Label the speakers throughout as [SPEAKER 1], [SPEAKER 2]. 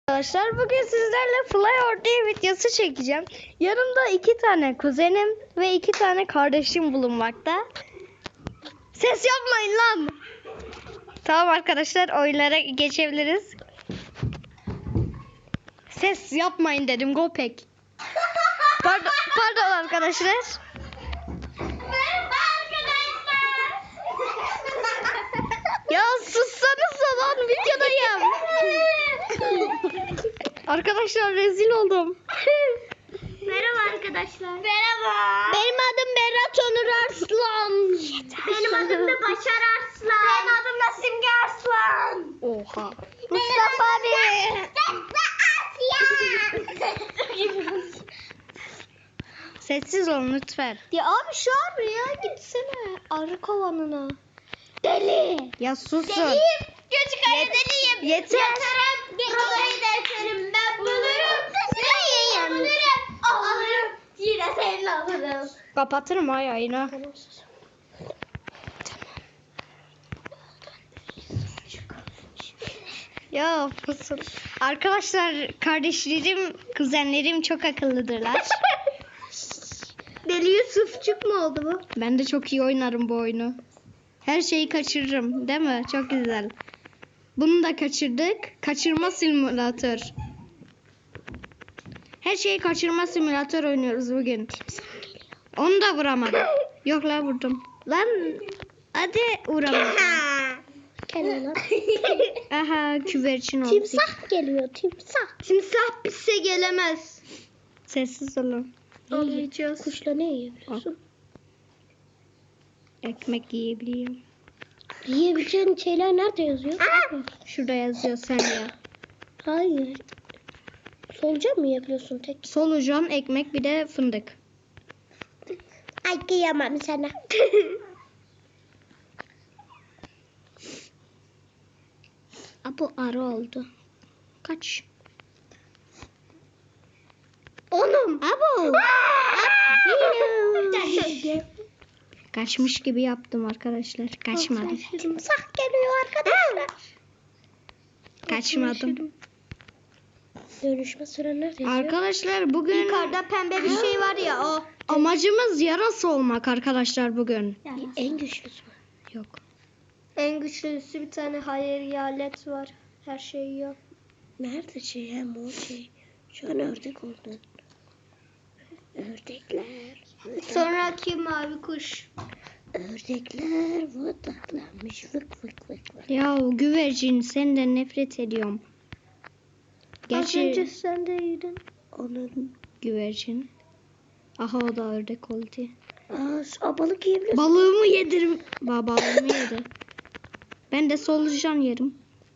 [SPEAKER 1] Arkadaşlar bugün sizlerle Flyor diye videosu çekeceğim. Yanımda 2 tane kuzenim ve 2 tane kardeşim bulunmakta. Ses yapmayın lan. Tamam arkadaşlar, oyunlara geçebiliriz. Ses yapmayın dedim, Gopek. Pardon arkadaşlar.
[SPEAKER 2] Merhaba arkadaşlar.
[SPEAKER 1] Ya sussanıza lan, videodayım. Arkadaşlar rezil oldum.
[SPEAKER 2] Merhaba arkadaşlar. Merhaba.
[SPEAKER 1] Benim adım Berat Onur Arslan.
[SPEAKER 2] Benim adım da Başar Arslan. Benim adım da Simge Arslan.
[SPEAKER 1] Oha. Mustafa abi. Sessiz olun lütfen.
[SPEAKER 2] Ya abi şu araya gitsene. Arı kovanına. Deli.
[SPEAKER 1] Ya susun.
[SPEAKER 2] Deliyim. Küçük ayı deliyim.
[SPEAKER 1] Yeter.
[SPEAKER 2] Yatarım. Prolayı derslerim. Ben bulurum. Seni bulurum. Alırım. Yine seni alırım.
[SPEAKER 1] Kapatırım ay ayına. Ya susun. Arkadaşlar kardeşlerim, kuzenlerim çok akıllıdırlar.
[SPEAKER 2] Deli Yusufçuk mu oldu bu?
[SPEAKER 1] Ben de çok iyi oynarım bu oyunu. Her şeyi kaçırırım, değil mi? Çok güzel. Bunu da kaçırdık. Kaçırma simülatör. Her şeyi kaçırma simülatör oynuyoruz bugün. Onu da vuramadım. Yok la, vurdum. Lan hadi vuramadım.
[SPEAKER 2] Gel lan.
[SPEAKER 1] Aha, güvercin oldu.
[SPEAKER 2] Timsah geliyor, timsah.
[SPEAKER 1] Timsah bize gelemez. Sessiz olun.
[SPEAKER 2] Anlayacağız. Kuşla ne yiyebiliyorsun?
[SPEAKER 1] Ekmek yiyebiliyorum.
[SPEAKER 2] Yiyebileceğin şeyler nerede yazıyor?
[SPEAKER 1] Şurada yazıyor, sen ya.
[SPEAKER 2] Hayır. Solucan mı yiyebiliyorsun tek?
[SPEAKER 1] Solucan, ekmek, bir de fındık.
[SPEAKER 2] Ay kıyamam sana.
[SPEAKER 1] Bu arı oldu. Kaç.
[SPEAKER 2] Onum.
[SPEAKER 1] Abo. Kaçmış gibi yaptım arkadaşlar. Kaçmadım.
[SPEAKER 2] Timsah geliyor arkadaşlar.
[SPEAKER 1] Kaçmadım.
[SPEAKER 2] Dönüşme süren nerede yazıyor?
[SPEAKER 1] Arkadaşlar bugün
[SPEAKER 2] Yukarıda pembe bir şey var ya o.
[SPEAKER 1] amacımız yarası olmak arkadaşlar bugün.
[SPEAKER 2] En güçlüsü mü?
[SPEAKER 1] Yok.
[SPEAKER 2] En güçlüsü bir tane hayalet var. Her şeyi yiyor. Nerede şey hem o şey? Şu an ördek oldu. Ördekler. Sonraki mavi kuş. Ördekler vıdıklanmış vık vık vık vık.
[SPEAKER 1] Ya güvercin, senden nefret ediyorum.
[SPEAKER 2] Az önce
[SPEAKER 1] Gerçi
[SPEAKER 2] sen de yedin. Onun.
[SPEAKER 1] güvercin. Aha, o da ördek oldu.
[SPEAKER 2] Balık yiyebiliyorsun.
[SPEAKER 1] Balığımı yedirim. Balığımı yedi. Ben de solucan yerim.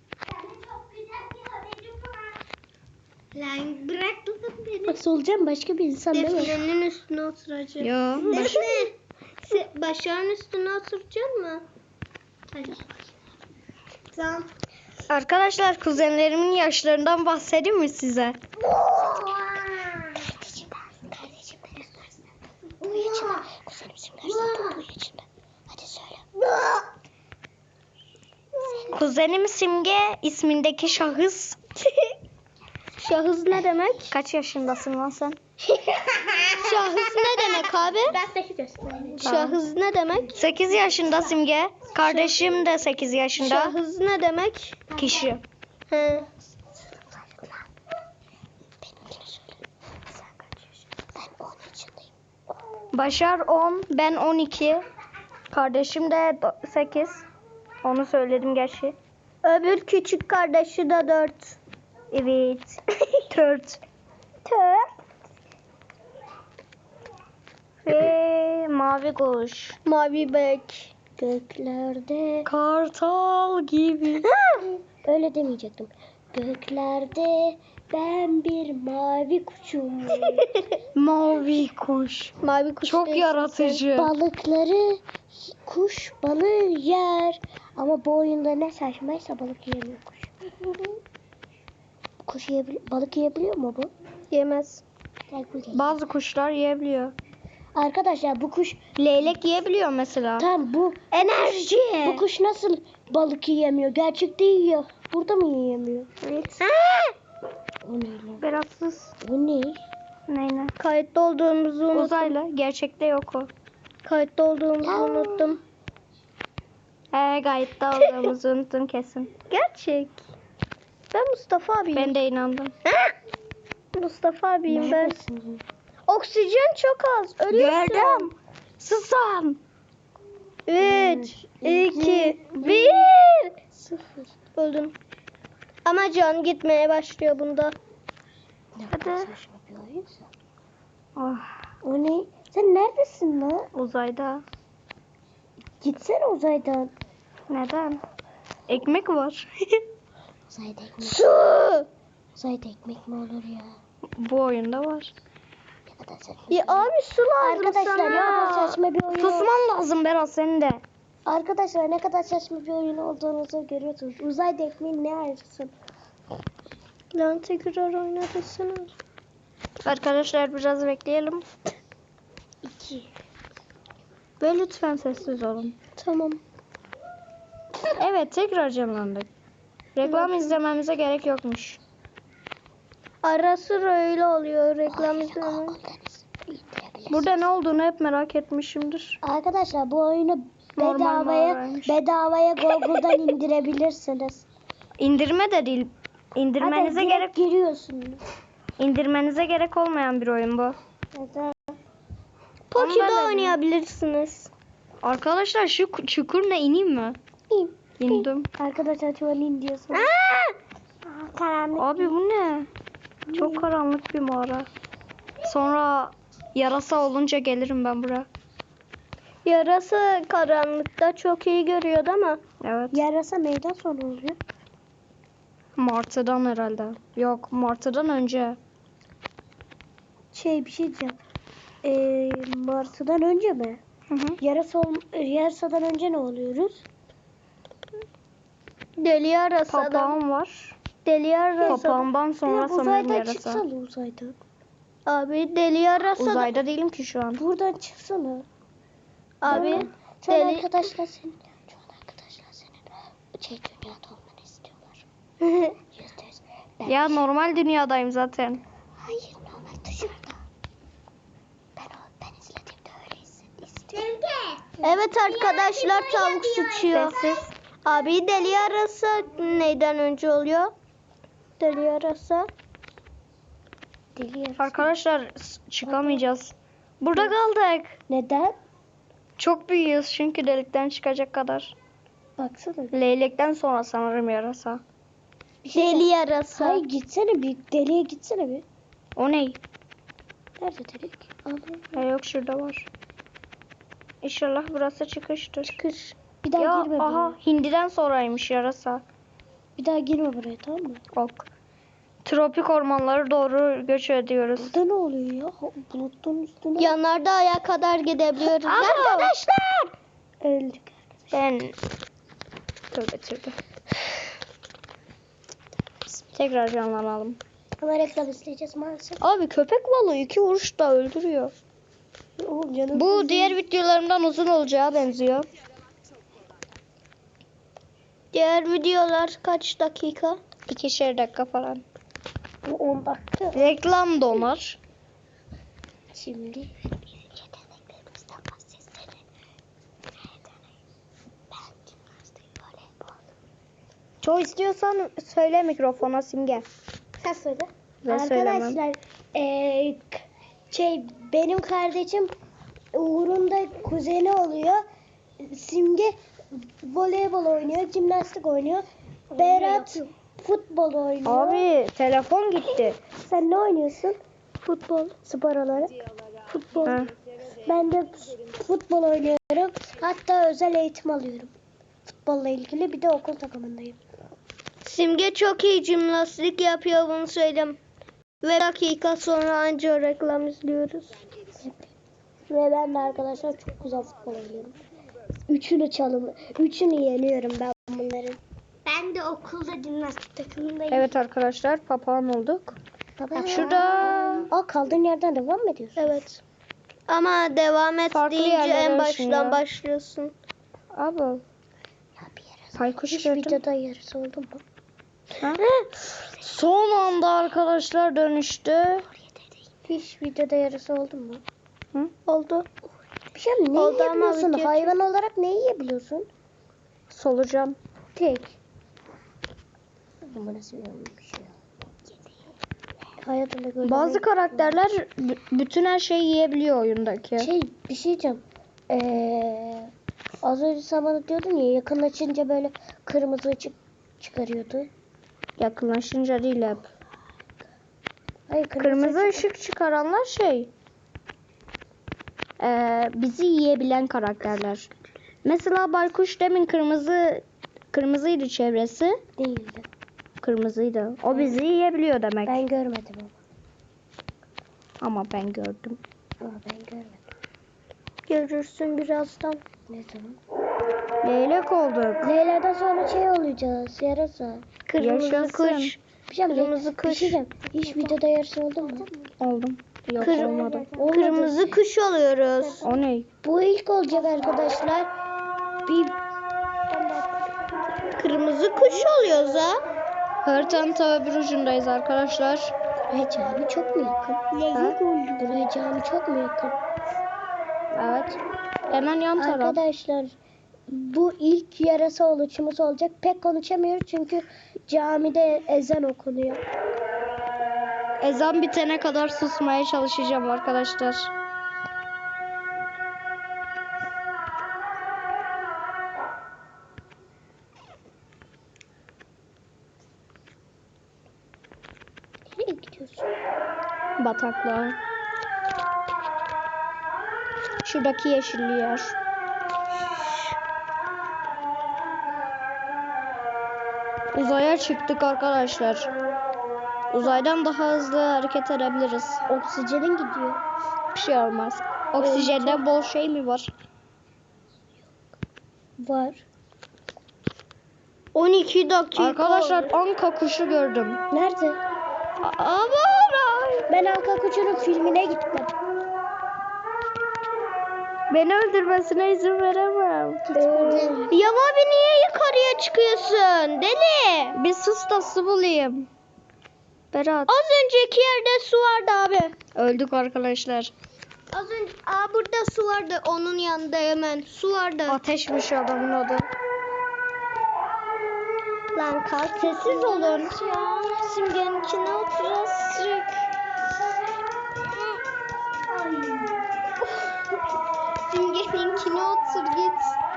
[SPEAKER 2] Lan bırak beni. Bak solucan başka bir insan değil mi? Defne'nin üstüne oturacak.
[SPEAKER 1] Ya
[SPEAKER 2] Defne. Başarın üstüne oturacaksın mı? Hadi. Tamam.
[SPEAKER 1] arkadaşlar, kuzenlerimin yaşlarından bahsedeyim mi size?
[SPEAKER 2] Kardeşim bu yaşında. Kuzenim bu yaşında. Hadi söyle.
[SPEAKER 1] Kuzenim Simge ismindeki şahıs.
[SPEAKER 2] Şahıs ne demek?
[SPEAKER 1] Kaç yaşındasın lan sen?
[SPEAKER 2] Şahıs ne demek abi? Ben 8 yaşındayım. Şahıs ne demek?
[SPEAKER 1] 8 yaşında Simge. Kardeşim de 8 yaşında.
[SPEAKER 2] Şahıs ne demek?
[SPEAKER 1] Kişi.
[SPEAKER 2] He.
[SPEAKER 1] Başar 10, ben 12. Kardeşim de 8. Onu söyledim gerçi.
[SPEAKER 2] Öbür küçük kardeşi de 4.
[SPEAKER 1] Evet. 4. Ve mavi kuş.
[SPEAKER 2] Mavi bek. Göklerde.
[SPEAKER 1] Kartal gibi.
[SPEAKER 2] Öyle demeyecektim. Göklerde ben bir mavi kuşum.
[SPEAKER 1] Mavi kuş.
[SPEAKER 2] Mavi kuş
[SPEAKER 1] Çok
[SPEAKER 2] değilsin
[SPEAKER 1] yaratıcı.
[SPEAKER 2] sen. Balıkları kuş balığı yer. Ama bu oyunda ne saçmaysa balık yiyemiyor kuş. Balık yiyebiliyor mu bu? Yemez.
[SPEAKER 1] Bazı kuşlar yiyebiliyor.
[SPEAKER 2] Arkadaşlar bu kuş
[SPEAKER 1] Leylek yiyebiliyor mesela.
[SPEAKER 2] tam bu
[SPEAKER 1] Enerji.
[SPEAKER 2] bu kuş nasıl balık yiyemiyor? Gerçekte yiyor. Burada mı yiyemiyor?
[SPEAKER 1] Evet.
[SPEAKER 2] O ne lan?
[SPEAKER 1] Beyazsız.
[SPEAKER 2] O ne?
[SPEAKER 1] Neyine?
[SPEAKER 2] Kayıtta olduğumuzu unuttum.
[SPEAKER 1] Uzaylı. Gerçekte yok o.
[SPEAKER 2] Kayıtta olduğumuzu unuttum.
[SPEAKER 1] Gayet olduğumuzu unuttum kesin.
[SPEAKER 2] Gerçek. Ben Mustafa abiyim.
[SPEAKER 1] Ben de inandım.
[SPEAKER 2] Mustafa abiyim ben. Oksijen çok az. Ölüyorsun.
[SPEAKER 1] Gördüm. Susam.
[SPEAKER 2] 3, 2, 1. 0. Öldüm. Ama can gitmeye başlıyor bunda.
[SPEAKER 1] Hadi. Oh,
[SPEAKER 2] O ne? Sen neredesin lan?
[SPEAKER 1] uzayda.
[SPEAKER 2] Gitsene uzaydan.
[SPEAKER 1] Neden? Ekmek var.
[SPEAKER 2] Uzayda ekmek. Su! Uzayda ekmek mi olur ya?
[SPEAKER 1] Bu oyunda var.
[SPEAKER 2] Ne kadar saçma. Ya abi su lazım
[SPEAKER 1] Arkadaşlar
[SPEAKER 2] sana. Ne kadar saçma bir oyun.
[SPEAKER 1] Susman lazım Berat senin de.
[SPEAKER 2] Arkadaşlar ne kadar saçma bir oyun olduğunuzu görüyorsunuz. Uzayda ekmeğin ne ayrısın? Lan tekrar oynatırsana.
[SPEAKER 1] Arkadaşlar biraz bekleyelim.
[SPEAKER 2] 2.
[SPEAKER 1] Ve lütfen sessiz olun.
[SPEAKER 2] Tamam.
[SPEAKER 1] Evet tekrar canlandık. Reklam izlememize gerek yokmuş.
[SPEAKER 2] Ara sıra öyle oluyor reklam izleme.
[SPEAKER 1] Burada ne olduğunu hep merak etmişimdir.
[SPEAKER 2] Arkadaşlar bu oyunu
[SPEAKER 1] Normal mağaraymış.
[SPEAKER 2] bedavaya Google'dan indirebilirsiniz.
[SPEAKER 1] İndirme de değil. İndirmenize
[SPEAKER 2] Hatta
[SPEAKER 1] gerek
[SPEAKER 2] direkt giriyorsunuz.
[SPEAKER 1] indirmenize gerek olmayan bir oyun bu.
[SPEAKER 2] Neden?
[SPEAKER 1] Onu ben
[SPEAKER 2] Poki'de
[SPEAKER 1] de
[SPEAKER 2] oynayabilirsiniz.
[SPEAKER 1] Arkadaşlar şu çukur ne ineyim mi? İndim.
[SPEAKER 2] Arkadaşlar tuvalin diyorsunuz. Karanlık.
[SPEAKER 1] Abi bu ne? Çok karanlık bir mağara. Sonra yarasa olunca gelirim ben buraya.
[SPEAKER 2] Yarasa karanlıkta çok iyi görüyordu ama.
[SPEAKER 1] Evet.
[SPEAKER 2] Yarasa neyden sonra oluyor?
[SPEAKER 1] Martı'dan herhalde. Yok, Martı'dan önce.
[SPEAKER 2] Bir şey diyeceğim. Martı'dan önce mi?
[SPEAKER 1] Hı hı.
[SPEAKER 2] Yarasa'dan önce ne oluyoruz? Deli yarasa.
[SPEAKER 1] Papağan var.
[SPEAKER 2] Deli yarasa.
[SPEAKER 1] Papağandan sonra sanırım
[SPEAKER 2] uzaydan
[SPEAKER 1] yarasa.
[SPEAKER 2] çıksana uzaydan. Abi deli yarasa.
[SPEAKER 1] Uzayda değilim ki şu an.
[SPEAKER 2] Buradan çıksana. Abi
[SPEAKER 1] Şu
[SPEAKER 2] deli...
[SPEAKER 1] an
[SPEAKER 2] arkadaşlar senin dünyada olmanı istiyorlar. %100.
[SPEAKER 1] Ya normal dünyadayım zaten.
[SPEAKER 2] Hayır normal dışarıda. Ben izlediğimde öyle istiyorum. Evet arkadaşlar tavuk sıçıyor.
[SPEAKER 1] Sessiz.
[SPEAKER 2] Abi deli yarasa neyden önce oluyor? Deli yarasa. Deli yarasa.
[SPEAKER 1] Arkadaşlar çıkamayacağız. Burada kaldık.
[SPEAKER 2] Neden?
[SPEAKER 1] Çok büyüğüz çünkü delikten çıkacak kadar.
[SPEAKER 2] Baksana.
[SPEAKER 1] Leylekten sonra sanırım yarasa.
[SPEAKER 2] Deli yarasa. Hayır gitsene bir deliye gitsene bir.
[SPEAKER 1] O ne?
[SPEAKER 2] Nerede delik?
[SPEAKER 1] Yok şurada var. İnşallah burası çıkıştır.
[SPEAKER 2] Çıkış. Bir daha
[SPEAKER 1] Ya
[SPEAKER 2] girme
[SPEAKER 1] aha
[SPEAKER 2] buraya.
[SPEAKER 1] hindiden sonraymış yarasa.
[SPEAKER 2] Bir daha girme buraya tamam mı?
[SPEAKER 1] Ok. Tropik ormanlara doğru göç ediyoruz.
[SPEAKER 2] Burada ne oluyor ya? Bulutun üstüne. Yanardağ'a kadar gidebiliyoruz.
[SPEAKER 1] Arkadaşlar!
[SPEAKER 2] Öldük.
[SPEAKER 1] Ben... Tövbe. Tekrar canlanalım.
[SPEAKER 2] Ama reklam izleyeceğiz maalesef.
[SPEAKER 1] Abi köpek balığı 2 vuruşta öldürüyor.
[SPEAKER 2] Oğlum canım.
[SPEAKER 1] Bu diğer videolarımdan uzun olacağı benziyor.
[SPEAKER 2] Diğer videolar kaç dakika?
[SPEAKER 1] 2'şer dakika falan.
[SPEAKER 2] 10 dakika.
[SPEAKER 1] Reklam donar.
[SPEAKER 2] Şimdi yeteneklerimizden bahsetsene. Ben jimnastik, voleybol.
[SPEAKER 1] Çok istiyorsan söyle mikrofona Simge.
[SPEAKER 2] Sen söyle.
[SPEAKER 1] Ben söylemem.
[SPEAKER 2] Arkadaşlar benim kardeşim Uğur'un da kuzeni oluyor. Simge voleybol oynuyor, jimnastik oynuyor. Berat futbol oynuyor.
[SPEAKER 1] Abi telefon gitti.
[SPEAKER 2] Sen ne oynuyorsun? Futbol, spor olarak. Futbol.
[SPEAKER 1] Ha.
[SPEAKER 2] Ben de futbol oynuyorum. Hatta özel eğitim alıyorum. Futbolla ilgili bir de okul takımındayım. Simge çok iyi jimnastik yapıyor bunu söyleyeyim. Ve dakika sonra anca reklam izliyoruz. Ve ben de arkadaşlar çok güzel futbol oynuyorum. Üçünü yeniyorum ben bunların. Ben de okulda jimnastik takımındayım.
[SPEAKER 1] Evet arkadaşlar papağan olduk.
[SPEAKER 2] Baba.
[SPEAKER 1] Şurada
[SPEAKER 2] Kaldığın yerden devam mı ediyorsun? Evet. Ama devam et
[SPEAKER 1] Farklı
[SPEAKER 2] deyince
[SPEAKER 1] yerlere
[SPEAKER 2] en
[SPEAKER 1] ışınıyor.
[SPEAKER 2] baştan başlıyorsun.
[SPEAKER 1] abi
[SPEAKER 2] Ya bir yere
[SPEAKER 1] Baykuş
[SPEAKER 2] hiç
[SPEAKER 1] gördüm.
[SPEAKER 2] videoda yarısı oldu mu?
[SPEAKER 1] Ha? Son anda arkadaşlar dönüştü.
[SPEAKER 2] Hiç videoda yarısı oldu mu?
[SPEAKER 1] Hı?
[SPEAKER 2] Oldu. Bir şey mi? Ne
[SPEAKER 1] Oldu ama
[SPEAKER 2] yiyebiliyorsun?
[SPEAKER 1] video
[SPEAKER 2] Hayvan olarak ne yiyebiliyorsun?
[SPEAKER 1] Solucan.
[SPEAKER 2] Tek. Bu nasıl bir olmuş ya? Hayatımda gördüğüm
[SPEAKER 1] Bazı karakterler bütün her şeyi yiyebiliyor oyundaki.
[SPEAKER 2] bir şey diyeceğim. Az önce sen bana diyordun ya, yakınlaşınca böyle kırmızı ışık çıkarıyordu.
[SPEAKER 1] Yakınlaşınca değil hep.
[SPEAKER 2] Hayır,
[SPEAKER 1] Kırmızı ışık çıkaranlar bizi yiyebilen karakterler. Mesela baykuş demin kırmızıydı çevresi.
[SPEAKER 2] değildi.
[SPEAKER 1] Kırmızıydı. O bizi yiyebiliyor demek.
[SPEAKER 2] Ben görmedim ama.
[SPEAKER 1] Ama ben gördüm.
[SPEAKER 2] Ama ben görmedim.
[SPEAKER 1] Görürsün birazdan.
[SPEAKER 2] Ne zaman?
[SPEAKER 1] Leylek olduk.
[SPEAKER 2] Leyla'dan sonra şey olacağız. Yarasa.
[SPEAKER 1] Kırmızı
[SPEAKER 2] Yaşasın.
[SPEAKER 1] kuş.
[SPEAKER 2] Bir şey mi?
[SPEAKER 1] Kırmızı
[SPEAKER 2] Bir
[SPEAKER 1] kuş.
[SPEAKER 2] şey diyeceğim. Hiç videoda yarısı oldu mu?
[SPEAKER 1] Oldum. Yok olmadı.
[SPEAKER 2] Olmadı.
[SPEAKER 1] kuş oluyoruz. O ne?
[SPEAKER 2] Bu ilk olacak arkadaşlar. Bir
[SPEAKER 1] Kırmızı kuş oluyoruz ha. Haritanın tabi bir ucundayız arkadaşlar.
[SPEAKER 2] buraya cami çok mu yakın?
[SPEAKER 1] Leylek
[SPEAKER 2] oldu. Buraya cami çok mu yakın?
[SPEAKER 1] Evet. Hemen yan taraf.
[SPEAKER 2] Arkadaşlar bu ilk yarasa oluşumuz olacak. Pek konuşamıyoruz çünkü camide ezan okunuyor.
[SPEAKER 1] Ezan bitene kadar susmaya çalışacağım arkadaşlar.
[SPEAKER 2] Nereye gidiyorsun?
[SPEAKER 1] Bataklığa. Şuradaki yeşilli yer. Uzaya çıktık arkadaşlar. Uzaydan daha hızlı hareket edebiliriz.
[SPEAKER 2] Oksijenin gidiyor.
[SPEAKER 1] Bir şey olmaz. Oksijende bol şey mi var?
[SPEAKER 2] Var.
[SPEAKER 1] 12 dakika. Arkadaşlar anka kuşu gördüm.
[SPEAKER 2] Nerede?
[SPEAKER 1] Aman.
[SPEAKER 2] Ben Anka Kuşu'nun filmine gitmedim.
[SPEAKER 1] Beni öldürmesine izin veremem.
[SPEAKER 2] Ya
[SPEAKER 1] abi niye yukarıya çıkıyorsun? Deli. Bir sus da su bulayım. Berat. Az önceki yerde su vardı abi. Öldük arkadaşlar.
[SPEAKER 2] Az önce burada su vardı. Onun yanında hemen su vardı.
[SPEAKER 1] Ateşmiş adamın adı.
[SPEAKER 2] Lan kalk sessiz olun. Simge'nin içine oturacağız. Simge'ninkine otur git.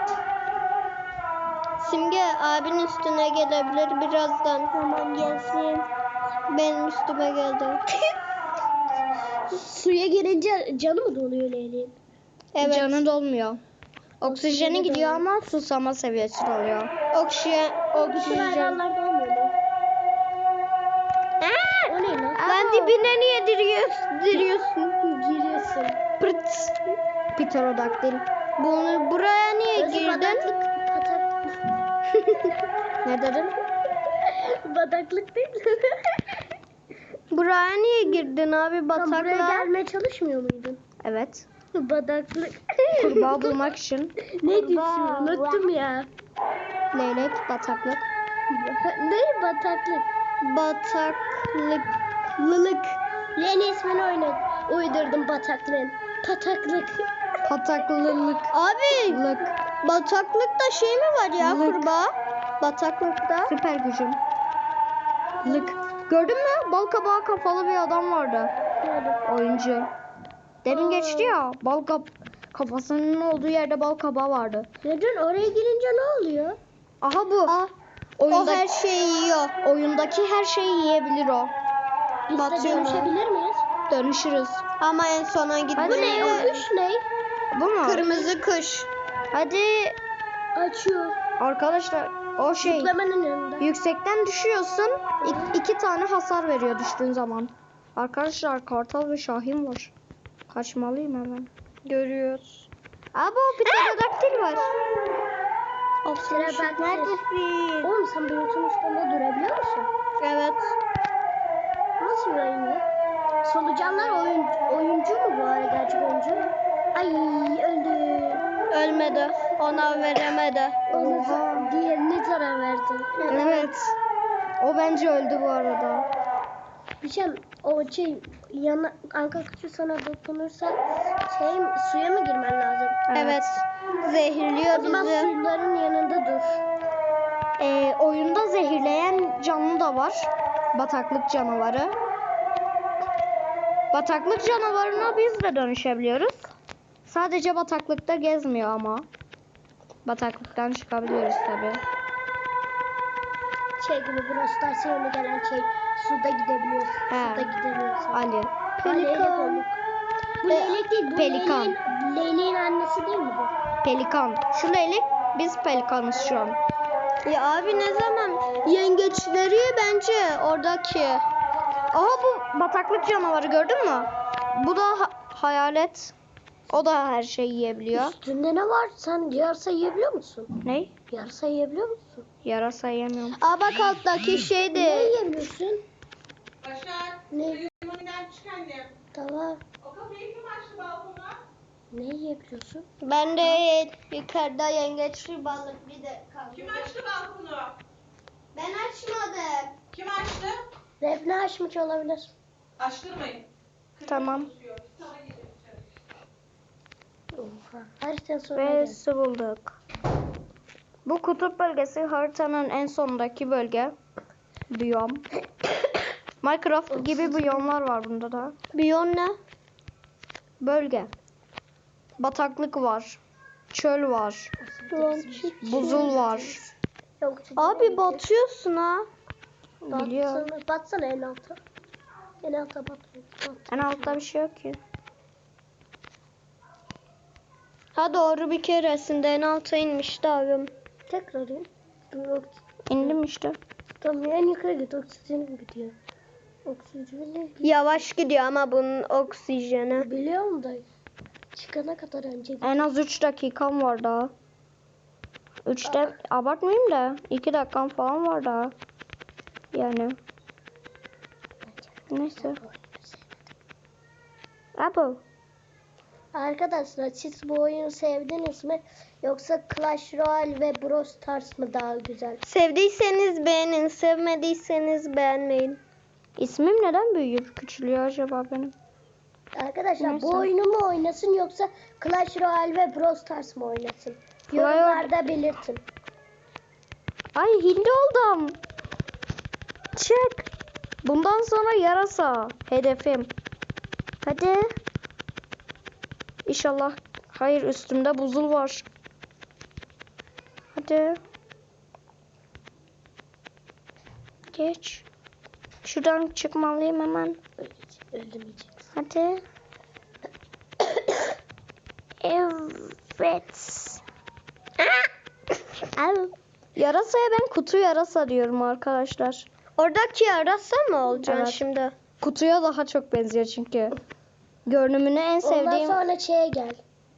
[SPEAKER 2] Simge abin üstüne gelebilir birazdan. Tamam gelsin. Benim üstüme geldi. Suya girince canı mı doluyor Leyli'nin?
[SPEAKER 1] Evet. Canı dolmuyor. Oksijeni gidiyor ama susama seviyesi oluyor.
[SPEAKER 2] Oksijen. hayvanlarda olmuyor mu? O ne lan?
[SPEAKER 1] Lan dibine niye giriyorsun?
[SPEAKER 2] Giriyorsun.
[SPEAKER 1] Pırt. Pterodaktil. Bunu buraya niye girdin? Ne dedin?
[SPEAKER 2] Bataklık değil.
[SPEAKER 1] Buraya niye girdin abi
[SPEAKER 2] Sen buraya
[SPEAKER 1] bataklığa?
[SPEAKER 2] gelmeye çalışmıyor muydun?
[SPEAKER 1] Evet.
[SPEAKER 2] Bataklık.
[SPEAKER 1] Kurbağa bulmak için.
[SPEAKER 2] Ne diyorsun? Unuttum ya.
[SPEAKER 1] Leylek, bataklık.
[SPEAKER 2] Ne bataklık?
[SPEAKER 1] Bataklılık.
[SPEAKER 2] Yeni ismini uydurdum bataklığın. Pataklık.
[SPEAKER 1] Pataklılık.
[SPEAKER 2] Abi
[SPEAKER 1] Lık.
[SPEAKER 2] bataklıkta şey mi var ya
[SPEAKER 1] Lık.
[SPEAKER 2] kurbağa? Bataklıkta.
[SPEAKER 1] Süper gücüm. Lık. Gördün mü? Bal kabağı kafalı bir adam vardı. Oyuncu. Demin geçti ya. Kafasının olduğu yerde bal kabağı vardı.
[SPEAKER 2] Neden oraya girince ne oluyor?
[SPEAKER 1] Aha bu.
[SPEAKER 2] O her şeyi yiyor.
[SPEAKER 1] Oyundaki her şeyi yiyebilir o.
[SPEAKER 2] Biz de
[SPEAKER 1] Batıyor mu?
[SPEAKER 2] dönüşebilir miyiz?
[SPEAKER 1] Dönüşürüz.
[SPEAKER 2] Ama en sona gitmeye.
[SPEAKER 1] Bu ne?
[SPEAKER 2] O kuş ne?
[SPEAKER 1] Bu mu?
[SPEAKER 2] Kırmızı kuş.
[SPEAKER 1] Hadi
[SPEAKER 2] Açıyor.
[SPEAKER 1] arkadaşlar o şey.
[SPEAKER 2] Zıplamanın yanında.
[SPEAKER 1] Yüksekten düşüyorsun. İki tane hasar veriyor düştüğün zaman. Arkadaşlar kartal ve şahin var. Kaçmalıyım hemen. Görüyoruz. Abi o pterodaktil var.
[SPEAKER 2] Pterodaktil.
[SPEAKER 1] Neredesin?
[SPEAKER 2] Oğlum sen bulutun üstünde durabiliyor musun?
[SPEAKER 1] Evet.
[SPEAKER 2] Nasıl bir oyun ya? Solucanlar oyuncu mu bu arada, gerçek oyuncu? Ay öldü.
[SPEAKER 1] Ölmedi. Ona veremedi.
[SPEAKER 2] Diğerine zarar verdi.
[SPEAKER 1] Evet. O bence öldü bu arada.
[SPEAKER 2] Bir şey o şey anka kuşu sana dokunursa suya mı girmen lazım?
[SPEAKER 1] Evet.
[SPEAKER 2] O zaman suyların yanında dur.
[SPEAKER 1] Oyunda zehirleyen canlı da var. Bataklık canavarı. Bataklık canavarına biz de dönüşebiliyoruz. Sadece bataklıkta gezmiyor ama. Bataklıktan çıkabiliyoruz tabi.
[SPEAKER 2] Şey gibi Brawl Stars'a gelen suda gidebiliyorsun.
[SPEAKER 1] He.
[SPEAKER 2] Suda gidemiyorsun.
[SPEAKER 1] Ali.
[SPEAKER 2] Pelikan. Bu leylek değil. Bu
[SPEAKER 1] Pelikan.
[SPEAKER 2] Leyleğin annesi değil mi bu?
[SPEAKER 1] Pelikan. Şu leylek, biz pelikanız şu an.
[SPEAKER 2] Ya abi ne zaman yengeçleri bence oradaki.
[SPEAKER 1] Aha bu bataklık canavarı gördün mü? Bu da hayalet. O da her şeyi yiyebiliyor.
[SPEAKER 2] Üstünde ne var? Sen yarasa yiyebiliyor musun?
[SPEAKER 1] Ne?
[SPEAKER 2] Yarasa yiyebiliyor musun?
[SPEAKER 1] Yarasa yemiyorum.
[SPEAKER 2] Aa bak alttaki şey de. Ne yiyemiyorsun?
[SPEAKER 3] Başar,
[SPEAKER 2] Ne?
[SPEAKER 3] uyumundan çık annem.
[SPEAKER 2] Tamam.
[SPEAKER 3] O kapıyı kim açtı balkona?
[SPEAKER 2] Ne yiyebiliyorsun?
[SPEAKER 4] Ben de yukarıda yengeçli balık bir de kaldı.
[SPEAKER 3] Kim açtı balkonu?
[SPEAKER 4] Ben açmadım.
[SPEAKER 3] Kim açtı?
[SPEAKER 2] Defne açmış olabilir.
[SPEAKER 3] Açtırmayın.
[SPEAKER 1] Tamam.
[SPEAKER 3] Sana gidelim içeri.
[SPEAKER 2] Oha. Haritanın sonuna
[SPEAKER 1] Ve
[SPEAKER 2] geldim.
[SPEAKER 1] su bulduk. Bu kutup bölgesi haritanın en sonundaki bölge. Biyom. Minecraft gibi biyomlar var bunda da.
[SPEAKER 2] Biyon ne?
[SPEAKER 1] Bölge. Bataklık var. Çöl var. Buzul var.
[SPEAKER 2] Yok,
[SPEAKER 4] Abi batıyorsun ha.
[SPEAKER 1] Biliyorum.
[SPEAKER 2] Batsana en alta. En alta bat.
[SPEAKER 1] En altta bir şey yok ki.
[SPEAKER 4] Ha doğru bir keresinde en alta inmişti abim.
[SPEAKER 2] Tekrar in. Dur,
[SPEAKER 1] İndim işte.
[SPEAKER 2] tamam en yukarı git. Oksijenim gidiyor. Oksijeni
[SPEAKER 4] Yavaş gidiyor ama bunun oksijeni.
[SPEAKER 2] biliyorum da çıkana kadar önce git.
[SPEAKER 1] En az 3 dakikam var daha. 3'te abartmayayım da 2 dakikam falan var daha. Yani. Neyse. Abo.
[SPEAKER 2] Arkadaşlar siz bu oyunu sevdiniz mi? Yoksa Clash Royale ve Brawl Stars mı daha güzel?
[SPEAKER 4] Sevdiyseniz beğenin, sevmediyseniz beğenmeyin.
[SPEAKER 1] İsmim neden büyüyüp küçülüyor acaba benim?
[SPEAKER 2] Arkadaşlar
[SPEAKER 1] Neyse.
[SPEAKER 2] bu oyunu mu oynasın yoksa Clash Royale ve Brawl Stars mı oynasın?
[SPEAKER 1] Royale-
[SPEAKER 2] Yorumlarda belirtin.
[SPEAKER 1] Ay hindi oldum. Çık. Bundan sonra yarasa. Hedefim. Hadi. İnşallah. Hayır üstümde buzul var. Hadi. Geç. Şuradan çıkmalıyım hemen.
[SPEAKER 2] Öldürmeyeceksin.
[SPEAKER 1] Hadi. Evet. Al. Yarasaya ben kutu yarasa diyorum arkadaşlar.
[SPEAKER 4] Oradaki yarasa mı olacaksın
[SPEAKER 1] Evet.
[SPEAKER 4] şimdi?
[SPEAKER 1] Kutuya daha çok benziyor çünkü. Görünümünü en
[SPEAKER 2] Ondan
[SPEAKER 1] sevdiğim
[SPEAKER 2] sonra şeye gel.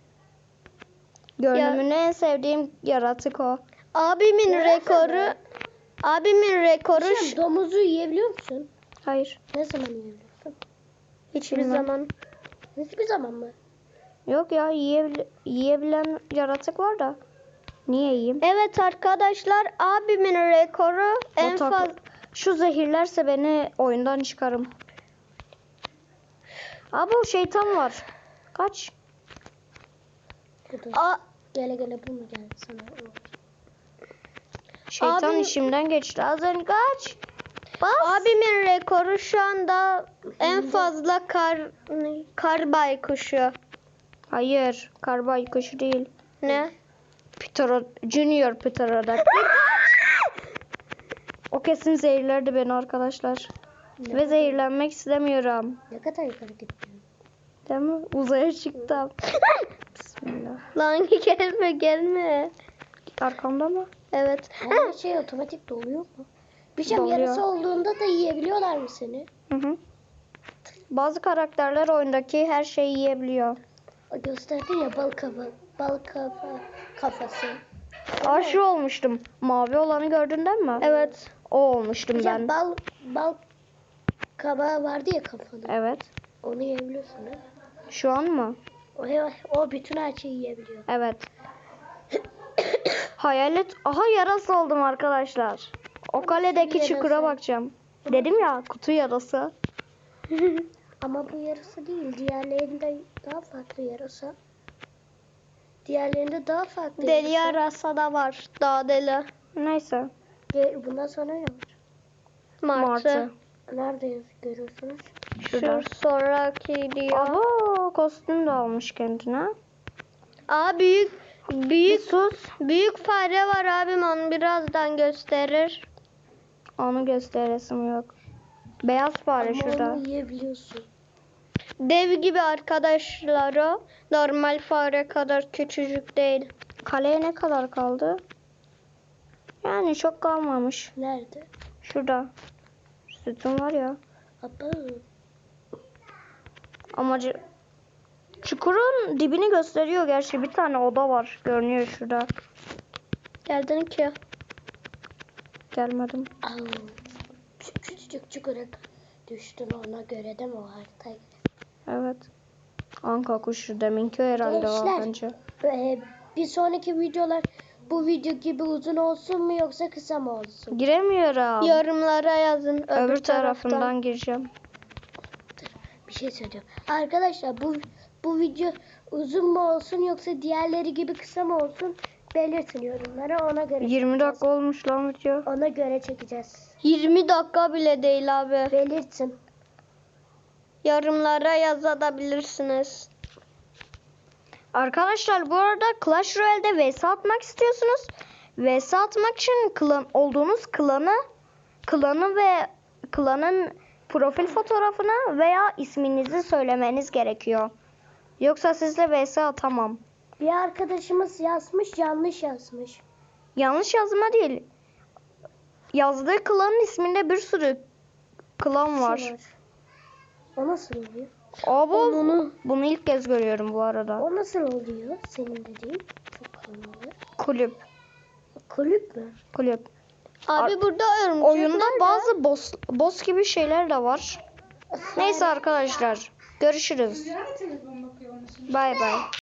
[SPEAKER 1] en sevdiğim yaratık o.
[SPEAKER 4] Abimin
[SPEAKER 2] Yarasa
[SPEAKER 4] rekoru
[SPEAKER 2] mı?
[SPEAKER 4] abimin rekoru
[SPEAKER 2] Sen domuzu yiyebiliyor musun?
[SPEAKER 1] Hayır.
[SPEAKER 2] Ne zaman yiyebiliyorsun?
[SPEAKER 4] hiçbir
[SPEAKER 1] bilmem.
[SPEAKER 4] zaman.
[SPEAKER 2] Hiçbir zaman mı?
[SPEAKER 1] Yok ya yiyebilen yaratık var da. Niye yiyeyim?
[SPEAKER 4] Evet arkadaşlar abimin rekoru en
[SPEAKER 1] O tak-
[SPEAKER 4] fazla
[SPEAKER 1] Şu zehirlerse beni oyundan çıkarım. Abi o şeytan var. Kaç.
[SPEAKER 2] Bu da.
[SPEAKER 4] A-
[SPEAKER 2] Gele gele bu mu geldi sana? O.
[SPEAKER 1] Şeytan
[SPEAKER 4] Abi-
[SPEAKER 1] işimden geçti. Az önce kaç. Bas.
[SPEAKER 4] abimin rekoru şu anda en fazla kar baykuşu.
[SPEAKER 1] Hayır. Karbay kuşu değil.
[SPEAKER 4] Ne?
[SPEAKER 1] Junior Pterodactyl. O kesin zehirlerdi beni arkadaşlar. Ve zehirlenmek istemiyorum.
[SPEAKER 2] Ne kadar yukarı gittin?
[SPEAKER 1] Değil mi? Uzaya çıktım. Bismillah.
[SPEAKER 4] Lan gelme.
[SPEAKER 1] Arkamda mı?
[SPEAKER 4] Evet.
[SPEAKER 2] Her şey otomatik doluyor mu? Bir şey
[SPEAKER 1] Doluyor.
[SPEAKER 2] yarısı olduğunda da yiyebiliyorlar mı seni?
[SPEAKER 1] Hı hı. Bazı karakterler oyundaki her şeyi yiyebiliyor.
[SPEAKER 2] O gösterdin ya bal kafası.
[SPEAKER 1] Aşı olmuştum. Mavi olanı gördüğünden mi?
[SPEAKER 4] Evet.
[SPEAKER 1] O olmuştum
[SPEAKER 2] Ya
[SPEAKER 1] ben.
[SPEAKER 2] bal kabağı vardı ya kafada.
[SPEAKER 1] Evet.
[SPEAKER 2] Onu yiyebiliyorsun ha.
[SPEAKER 1] Şu an mı?
[SPEAKER 2] O bütün her şeyi yiyebiliyor.
[SPEAKER 1] Evet. Hayalet. Aha yarasa oldum arkadaşlar. O kaledeki çukura bakacağım. Dedim ya, kutu yarası.
[SPEAKER 2] Ama bu yarısı değil. Diğerlerinde daha farklı yarısı. Diğerlerinde daha farklı
[SPEAKER 4] Deli
[SPEAKER 2] yarısı.
[SPEAKER 4] yarasa da var. Daha deli.
[SPEAKER 1] Neyse.
[SPEAKER 2] Bundan sonra ne var?
[SPEAKER 4] Martı.
[SPEAKER 2] Nerede görüyorsunuz?
[SPEAKER 1] Şurada.
[SPEAKER 4] Şu sonraki diyor.
[SPEAKER 1] Abo, kostüm de almış kendine.
[SPEAKER 4] Aa büyük
[SPEAKER 1] Bir sus.
[SPEAKER 4] büyük fare var abim, onu birazdan gösterir.
[SPEAKER 1] Onu gösteresim yok. Beyaz fare
[SPEAKER 2] Ama
[SPEAKER 1] şurada.
[SPEAKER 2] onu yiyebiliyorsun.
[SPEAKER 4] Dev gibi arkadaşları. Normal fare kadar küçücük değil.
[SPEAKER 1] Kaleye ne kadar kaldı? Yani çok kalmamış.
[SPEAKER 2] Nerede?
[SPEAKER 1] Şurada. Sütun var ya.
[SPEAKER 2] Aba.
[SPEAKER 1] Amacı... Çukurun dibini gösteriyor gerçi. Bir tane oda var. Görünüyor şurada.
[SPEAKER 4] Geldin ki.
[SPEAKER 1] Gelmedim.
[SPEAKER 2] Au. Küçücük çukura düştün, ona göre de mi o haritaya göre?
[SPEAKER 1] Evet. Anka kuşu deminki herhalde var
[SPEAKER 2] Gençler.
[SPEAKER 1] bence.
[SPEAKER 2] Bir sonraki videolar bu video gibi uzun olsun mu yoksa kısa mı olsun?
[SPEAKER 1] Giremiyorum.
[SPEAKER 4] Yorumlara yazın.
[SPEAKER 1] Öbür tarafından gireceğim.
[SPEAKER 2] Bir şey söyleyeceğim. Arkadaşlar bu video uzun mu olsun yoksa diğerleri gibi kısa mı olsun belirtin yorumlara, ona göre
[SPEAKER 1] 20
[SPEAKER 2] çekeceğiz.
[SPEAKER 1] dakika olmuş lan video.
[SPEAKER 2] Ona göre çekeceğiz.
[SPEAKER 4] 20 dakika bile değil abi.
[SPEAKER 2] Belirtin.
[SPEAKER 4] Yorumlara yazabilirsiniz.
[SPEAKER 1] Arkadaşlar bu arada Clash Royale'de vs atmak istiyorsunuz. Vs atmak için olduğunuz klanı ve klanın profil fotoğrafını veya isminizi söylemeniz gerekiyor. Yoksa sizle vs atamam.
[SPEAKER 2] Bir arkadaşımız yazmış, yanlış yazmış.
[SPEAKER 1] Yanlış yazma değil. Yazdığı klanın isminde bir sürü klan var.
[SPEAKER 2] O nasıl oluyor?
[SPEAKER 1] Bunu ilk kez görüyorum bu arada.
[SPEAKER 2] O nasıl oluyor senin dediğin? Çok anlamlı.
[SPEAKER 1] Kulüp.
[SPEAKER 2] Kulüp mü?
[SPEAKER 1] Kulüp.
[SPEAKER 4] Abi burada örümcek
[SPEAKER 1] Oyunda
[SPEAKER 4] nerede?
[SPEAKER 1] bazı boss gibi şeyler de var. Neyse arkadaşlar. Görüşürüz.
[SPEAKER 3] Rüzgar mı telefon bakıyor onun için?
[SPEAKER 1] Bay bay.